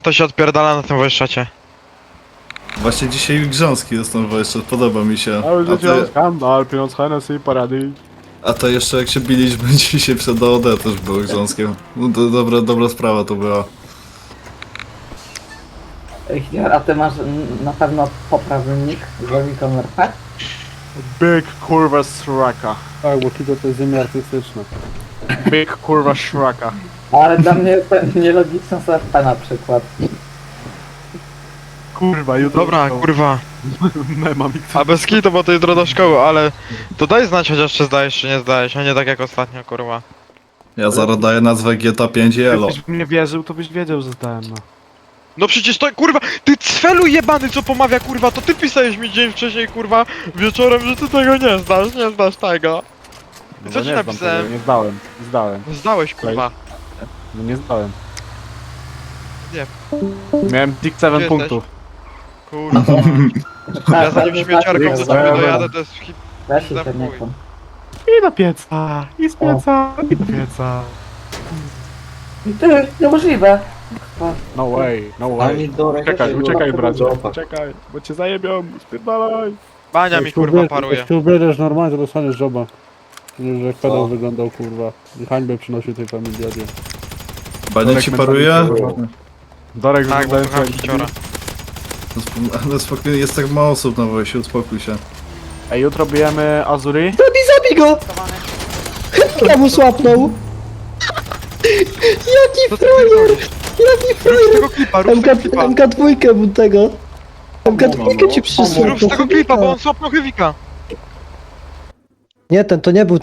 To się odpierdala na tym wojszacie. Właśnie dzisiaj grząski jest ten jeszcze, podoba mi się. Ale życie skandal, pieniądz Hennessy, parady. A to jeszcze jak się biliśmy dzisiaj przed DOD też było grząskie. No, dobra sprawa to była. A ty masz na pewno poprawny nick z logiką RP? Big kurwa sraka. Tak, bo Kito to jest ziemia artystyczna. Big kurwa sraka. Ale dla mnie nielogiczne są RP na przykład. Kurwa, jutro... Dobra, kurwa. Mema mi A bez kitu, bo to jutro do szkoły, ale... To daj znać chociaż czy zdajesz, czy nie zdajesz, a nie tak jak ostatnio, kurwa. Ja zaraz daję nazwę GTA 5 i elo. Jakbyś mnie wierzył, to byś wiedział, że zdałem, no. No przecież to, kurwa, ty cfelu jebany, co pomawia, kurwa, to ty pisałeś mi dzień wcześniej, kurwa, wieczorem, że ty tego nie znasz tego. No Co bo ci nie znam napisałem? tego, nie zdałem. Zdałem. Zdałeś, kurwa. No nie zdałem. Nie. Miałem dick 7 Gdzie punktów. Kurwa. Ja za nim śmieciarką do ciebie dojadę, to jest hit. Weź się za ten chuj. nie kłam. I do pieca, i z pieca, i do pieca. I ty, niemożliwe. No way, no way. Uciekaj, uciekaj bracie, uciekaj, bo cię zajebią, spierdalaj. Bania mi, kurwa, paruje. Jak się ubierzesz normalnie, to dostaniesz joba. Nie, że jak pedał wyglądał, kurwa. I hańbę przynosił tej familiadzie. Bania ci paruje? Dorek Tak, bo wyglądający słucham jak... hiciora. No spokojnie, jest tak mało osób na wojsie, uspokój się. Ej, jutro bijemy Azuri. Zabij go! Ja mu słapnął! Jaki frajer! Jaki Rób z tego klipa, rób z tego klipa. MK2 mu tego! MK2 ci przysłał. Rób z tego klipa, bo on słapnął Hewika. Nie, ten to nie był